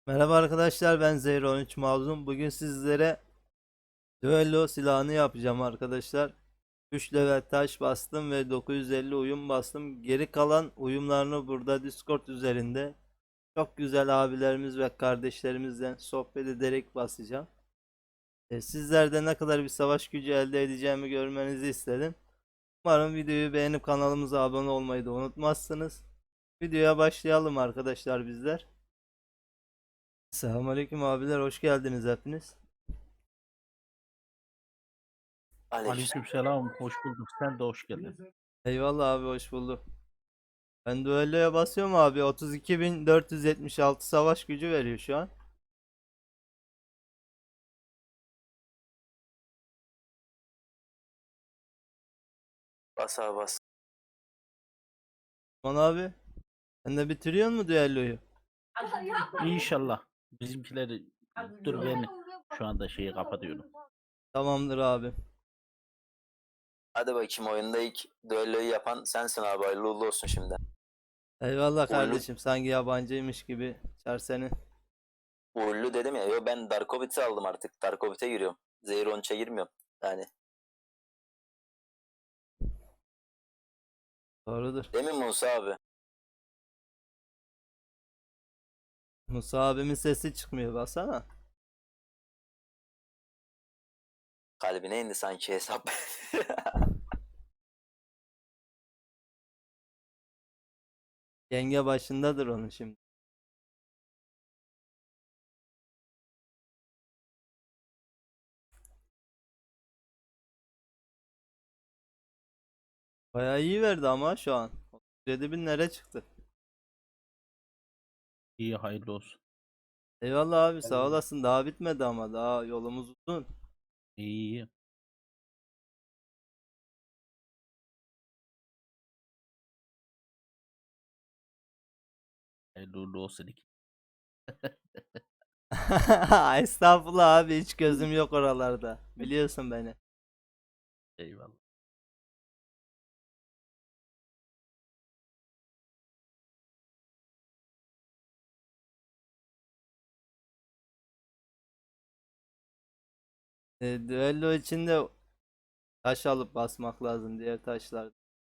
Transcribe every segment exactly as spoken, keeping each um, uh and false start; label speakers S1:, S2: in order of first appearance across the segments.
S1: Merhaba arkadaşlar, ben Zehir on üç Mazlum. Bugün sizlere düello silahını yapacağım arkadaşlar. üç level taş bastım ve dokuz yüz elli uyum bastım. Geri kalan uyumlarını burada Discord üzerinde çok güzel abilerimiz ve kardeşlerimizle sohbet ederek basacağım. E, sizlerde ne kadar bir savaş gücü elde edeceğimi görmenizi istedim. Umarım videoyu beğenip kanalımıza abone olmayı da unutmazsınız. Videoya başlayalım arkadaşlar bizler. Selamünaleyküm abiler, hoş geldiniz hepiniz.
S2: Aleykümselam.
S3: Aleykümselam, hoş bulduk. Sen de hoş geldin.
S1: Eyvallah abi, hoş bulduk. Ben düelloya basıyorum abi. otuz iki bin dört yüz yetmiş altı savaş gücü veriyor şu an.
S2: Bas abi bas.
S1: Aman abi. Sen de bitiriyor mu düelloyu?
S3: İnşallah. Bizimkileri dur ben şu anda şeyi kapatıyorum.
S1: Tamamdır abi.
S2: Hadi bakayım, oyunda ilk düelloyu yapan sensin abi. Hayırlı uğurlu olsun şimdi.
S1: Eyvallah
S2: Uğurlu,
S1: kardeşim. Sanki yabancıymış gibi. Çar seni.
S2: uğurlu dedim ya. Yo, ben Darkovit'i aldım artık. Darkovit'e giriyorum. Zehir on üçe girmiyorum. Yani.
S1: Doğrudur.
S2: Değil mi Musa abi?
S1: Musa abimin sesi çıkmıyor, baksana.
S2: Kalbine indi sanki hesap.
S1: Yenge başındadır onun şimdi. Bayağı iyi verdi ama şu an. otuz yedi bin nereye çıktı?
S3: İyi hayırlı olsun.
S1: Eyvallah abi, sağ olasın. Daha bitmedi ama daha yolumuz uzun.
S3: İyi iyi. Hayırlı uğurlu olsun iki.
S1: Estağfurullah abi, hiç gözüm yok oralarda. Biliyorsun beni.
S3: Eyvallah.
S1: E, düello içinde taş alıp basmak lazım, diğer taşlar.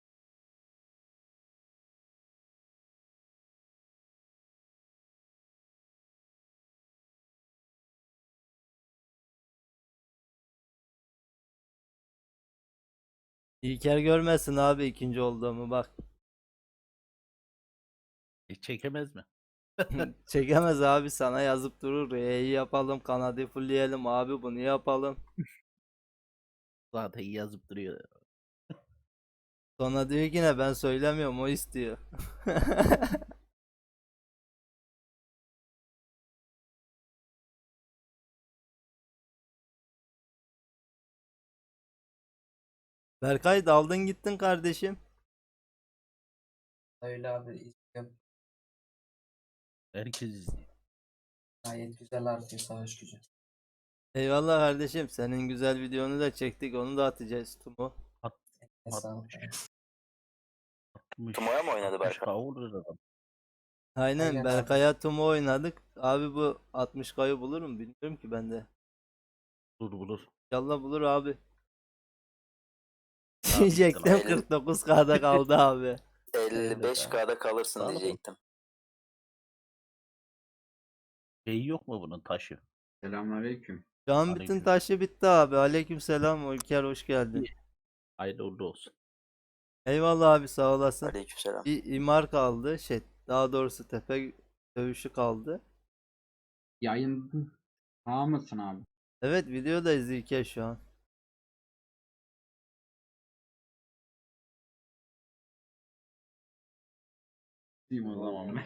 S1: İlker görmesin abi ikinci olduğumu, bak.
S3: E, çekemez mi?
S1: Çekemez abi, sana yazıp durur. E'yi yapalım, kanadı fullleyelim abi, bunu yapalım.
S3: Zaten yazıp duruyor.
S1: Sonra diyor ki ne, ben söylemiyorum, o istiyor. Berkay, daldın gittin kardeşim.
S4: Öyle abi izliyorum.
S3: Herkes izliyor.
S4: Gayet güzel artıyor savaş gücü.
S1: Eyvallah kardeşim, senin güzel videonu da çektik, onu da atacağız Tumu.
S3: At,
S4: Hesabı.
S3: atmış,
S2: Tumo'ya mı oynadı
S3: altmış
S2: Berkan?
S3: kavurur adam.
S1: Aynen,
S4: Aynen abi.
S1: Berkay'a Tumu oynadık. Abi bu altmış kayı bulur mu bilmiyorum ki ben de.
S3: Dur bulur.
S1: İnşallah bulur abi.
S3: Daha bitti
S1: Diyecektim,
S3: lan.
S2: Elli-
S1: kırk dokuz K'da kaldı abi.
S3: Öyle daha.
S2: elli beş K'da kalırsın
S3: Daha da
S2: diyecektim.
S3: Şeyi yok mu bunun taşı?
S5: Selamünaleyküm.
S1: Şu an bütün
S3: Aleyküm.
S1: taşı bitti abi. Aleykümselam Ülker, hoş geldin.
S3: İyi. Hayırlı uğurlu olsun.
S1: Eyvallah abi, sağ olasın.
S2: Aleykümselam.
S1: Bir imar kaldı. Şey, daha doğrusu tepe dövüşü kaldı.
S5: Yayın tamam mısın abi?
S1: Evet, videodayız İlker şu an.
S5: Diyeyim o zaman ben.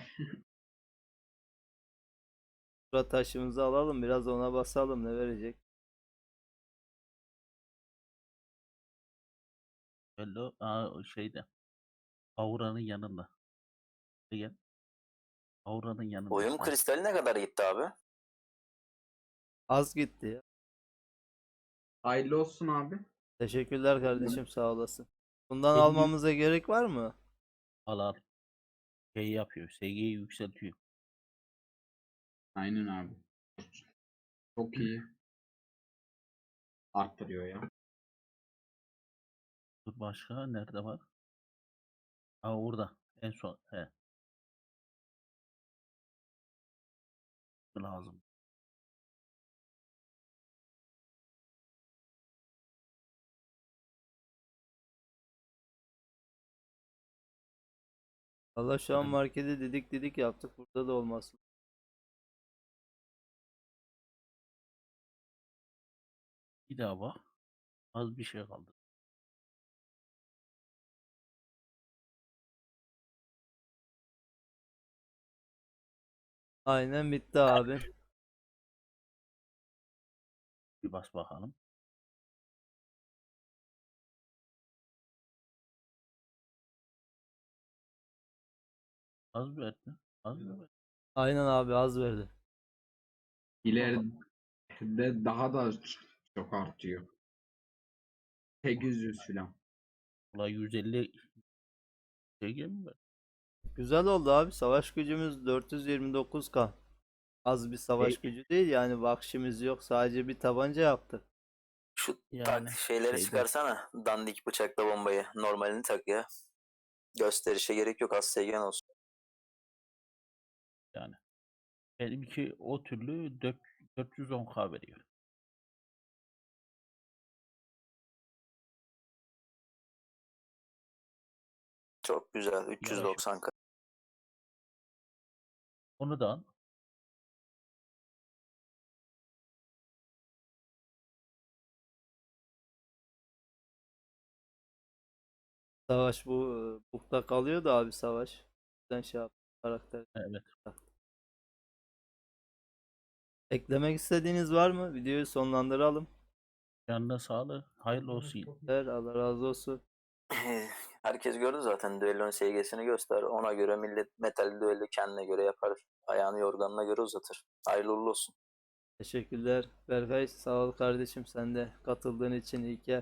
S1: Şura taşımızı alalım, biraz ona basalım, ne verecek.
S3: Bello, aa, şeyde. Aura'nın yanında. Gel. Aura'nın yanında.
S2: Uyum
S3: Ha,
S2: kristali ne kadar gitti abi?
S1: Az gitti ya.
S5: Hayırlı olsun abi.
S1: Teşekkürler kardeşim, sağ olasın. Bundan
S3: elli
S1: almamıza gerek var mı?
S3: al al. Şey yapıyor. S G'yi yükseltiyor.
S5: Aynen abi. Çok iyi. Arttırıyor ya.
S3: Dur başka nerede var? Ha orada. En son. He. Lazım.
S1: Valla şu an
S3: Evet.
S1: markete didik didik yaptık. Burada da olmasın.
S3: Bir daha bak. Az bir şey kaldı.
S1: Aynen bitti abi.
S3: Bir bas bakalım. Az verdi. Az mı verdi?
S1: Aynen abi az verdi.
S5: İleride daha da çok artıyor. sekiz yüz falan.
S3: Ulan yüz elli şey mi verdi?
S1: Güzel oldu abi. Savaş gücümüz dört yüz yirmi dokuz K. Az bir savaş
S5: Şey-
S1: gücü değil yani vahşimiz yok. Sadece bir tabanca yaptık.
S2: Şu
S3: Yani
S2: tak şeyleri
S3: şeyde-
S2: çıkarsana. Dandik bıçakla bombayı. Normalini tak ya. Gösterişe gerek yok. Az seygen olsun.
S3: Yani. Benimki o türlü dört dört yüz on K veriyor.
S2: Çok güzel. üç yüz doksan K.
S3: Onu da al.
S1: Savaş bu e, bukta kalıyor da abi savaş. Sen şey yap karakter.
S3: Evet.
S1: Eklemek istediğiniz var mı? Videoyu sonlandıralım.
S3: Canına sağlık. Hayırlı olsun.
S1: Ver, Allah razı olsun.
S2: Herkes gördü zaten düellonun S G'sini göster. Ona göre millet metal düello kendine göre yapar. Ayağını yorganına göre uzatır. Hayırlı uğurlu olsun.
S1: Teşekkürler. Berkay sağ ol kardeşim sen de katıldığın için iyi ki.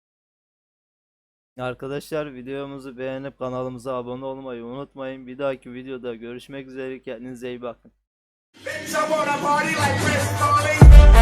S1: Arkadaşlar videomuzu beğenip kanalımıza abone olmayı unutmayın. Bir dahaki videoda görüşmek üzere. Kendinize iyi bakın.
S6: Bitch, I wanna party like Chris Farley.